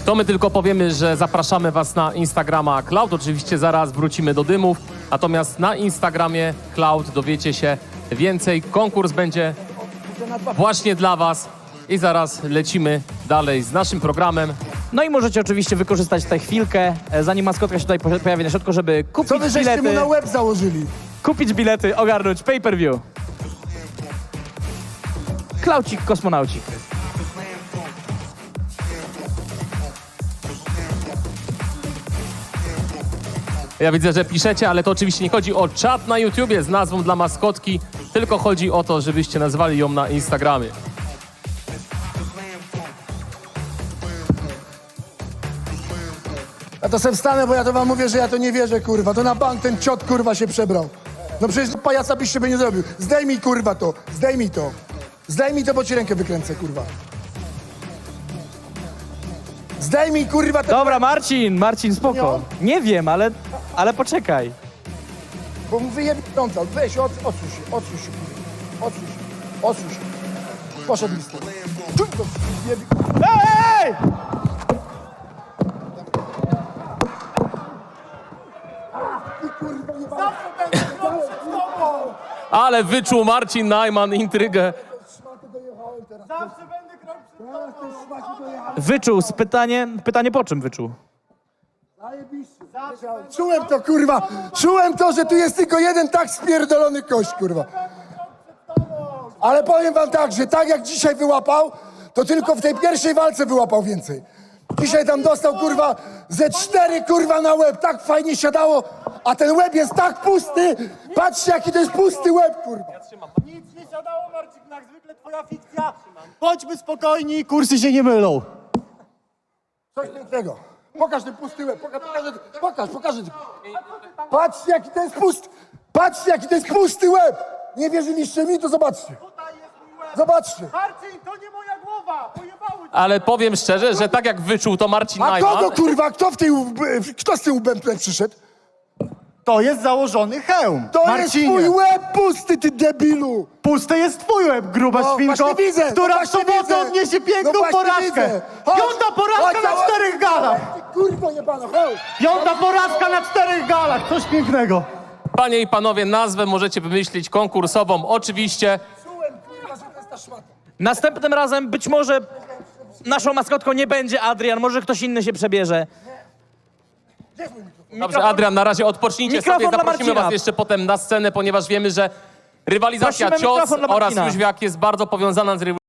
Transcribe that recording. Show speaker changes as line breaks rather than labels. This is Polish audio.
To my tylko powiemy, że zapraszamy was na Instagrama Cloud. Oczywiście zaraz wrócimy do dymów. Natomiast na Instagramie Cloud dowiecie się więcej. Konkurs będzie właśnie dla was. I zaraz lecimy dalej z naszym programem.
No i możecie oczywiście wykorzystać tę chwilkę, zanim maskotka się tutaj pojawi na środku, żeby
Co
kupić
wy żeście mu
bilety,
na łeb założyli?
ogarnąć pay-per-view. Klaucik, kosmonaucik.
Ja widzę, że piszecie, ale to oczywiście nie chodzi o czat na YouTubie z nazwą dla maskotki, tylko chodzi o to, żebyście nazwali ją na Instagramie.
Ja to se wstanę, bo ja to wam mówię, że ja to nie wierzę, kurwa. To na bank ten ciot, kurwa, się przebrał. No przecież pajaca byś sobie nie zrobił. Zdejmij, kurwa, to. Zdejmij to. Zdejmij to, bo ci rękę wykręcę, kurwa. Zdejmij, kurwa, te...
Dobra, Marcin, spoko. Nie wiem, ale poczekaj.
Bo mu wyjebie frontal. Weź, odsuń się, kurwa. Odsuń się. Poszedł mi z tym. Czuj to, wyjebie...
Ej!
Ale wyczuł Marcin Najman intrygę.
Wyczuł, pytanie po czym wyczuł?
Czułem to, kurwa. Czułem to, że tu jest tylko jeden tak spierdolony kość, kurwa. Ale powiem wam tak, że tak jak dzisiaj wyłapał, to tylko w tej pierwszej walce wyłapał więcej. Dzisiaj tam dostał, kurwa, ze 4, kurwa, na łeb. Tak fajnie siadało, a ten łeb jest tak pusty. Patrzcie, jaki to jest pusty łeb, kurwa.
Nic nie siadało, Marcin, jak zwykle twoja fikcja. Bądźmy spokojni, kursy się nie mylą.
Coś pięknego. Pokaż ten pusty łeb. Pokaż. Patrzcie, jaki to jest pusty. Patrzcie, jaki to jest pusty łeb. Nie wierzyliście mi, to zobaczcie.
Tutaj jest mój łeb.
Zobaczcie.
Marcin, to nie moja głowa, pojebały cię.
Ale powiem szczerze, że tak jak wyczuł to Marcin
A
Najman...
kogo, kurwa, kto z tym łbem tutaj przyszedł?
To jest założony hełm.
To
Marcinie,
jest twój łeb pusty, ty debilu.
pusty jest twój łeb, gruba
No,
świnko,
właśnie widzę,
która
no
w
właśnie
sobotę
widzę.
odniesie piękną
No właśnie
porażkę.
widzę. Chodź,
Piąta porażka
chodź,
na 4 galach.
Ty kurwo jebana, chodź.
Piąta porażka na 4 galach, coś pięknego.
Panie i panowie, nazwę możecie wymyślić konkursową. Oczywiście
Czułem, kurwa, że to jest ta szmata.
Następnym razem być może naszą maskotką nie będzie Adrian, może ktoś inny się przebierze.
Dobrze, Adrian, na razie odpocznijcie
Mikrofon
sobie.
dla
Zaprosimy
Marcina.
was jeszcze potem na scenę, ponieważ wiemy, że rywalizacja
Prosimy
cios
mikrofon dla
oraz
Marcina.
jóźwiak jest bardzo powiązana z rywalizacją.